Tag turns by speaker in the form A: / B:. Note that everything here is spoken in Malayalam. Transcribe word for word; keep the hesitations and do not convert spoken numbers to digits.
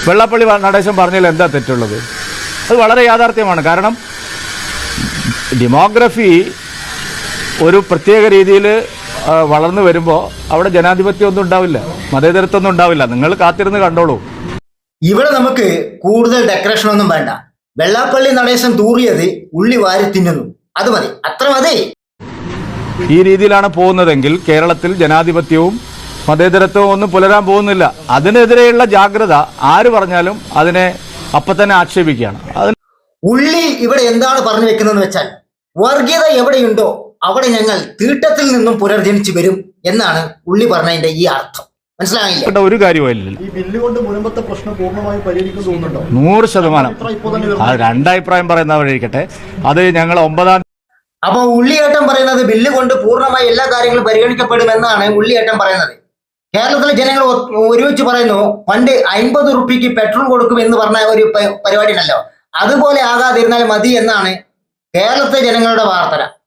A: വെള്ളാപ്പള്ളി നടേശൻ പറഞ്ഞതിൽ എന്താ തെറ്റുള്ളത്? അത് വളരെ യാഥാർത്ഥ്യമാണ്. കാരണം ഡെമോഗ്രഫി ഒരു പ്രത്യേക രീതിയിൽ വളർന്നു വരുമ്പോൾ അവിടെ ജനാധിപത്യം ഒന്നും ഉണ്ടാവില്ല, മതേതരത്വം ഒന്നും ഉണ്ടാവില്ല. നിങ്ങൾ കാത്തിരുന്ന് കണ്ടോളൂ.
B: ഇവിടെ നമുക്ക് കൂടുതൽ ഡെക്കറേഷൻ ഒന്നും വേണ്ട. വെള്ളാപ്പള്ളി നടേശൻ തൂറിയത് ഉള്ളി വാരി തിന്നുന്നു, അത് മതി, അത്ര മതി.
A: ഈ രീതിയിലാണ് പോകുന്നതെങ്കിൽ കേരളത്തിൽ ജനാധിപത്യവും മതേതരത്വവും ഒന്നും പുലരാൻ പോകുന്നില്ല. അതിനെതിരെയുള്ള ജാഗ്രത ആര് പറഞ്ഞാലും അതിനെ അപ്പം തന്നെ ആക്ഷേപിക്കുകയാണ്. അതിന്
B: ഉള്ളി ഇവിടെ എന്താണ് പറഞ്ഞു വെക്കുന്നതെന്ന് വെച്ചാൽ, വർഗീയത എവിടെയുണ്ടോ അവിടെ ഞങ്ങൾ തീട്ടത്തിൽ നിന്നും പുനർജനിച്ചു വരും എന്നാണ് ഉള്ളി പറഞ്ഞതിന്റെ ഈ അർത്ഥം. മനസ്സിലായില്ല?
A: ഒരു കാര്യമില്ല. നൂറ് ശതമാനം രണ്ടഭിപ്രായം പറയുന്നവരിക്കട്ടെ, അത് ഞങ്ങൾ ഒമ്പതാം
B: അപ്പൊ ഉള്ളിയേട്ടൻ പറയുന്നത് ബില്ല് കൊണ്ട് പൂർണ്ണമായി എല്ലാ കാര്യങ്ങളും പരിഗണിക്കപ്പെടുമെന്നാണ് ഉള്ളിയേട്ടൻ പറയുന്നത്. കേരളത്തിലെ ജനങ്ങൾ ഒരുമിച്ച് പറയുന്നു, പണ്ട് അൻപത് റുപ്യക്ക് പെട്രോൾ കൊടുക്കും എന്ന് പറഞ്ഞ ഒരു പരിപാടി ഉണ്ടല്ലോ, അതുപോലെ ആകാതിരുന്നാൽ മതി എന്നാണ് കേരളത്തിലെ ജനങ്ങളുടെ വാർത്ത.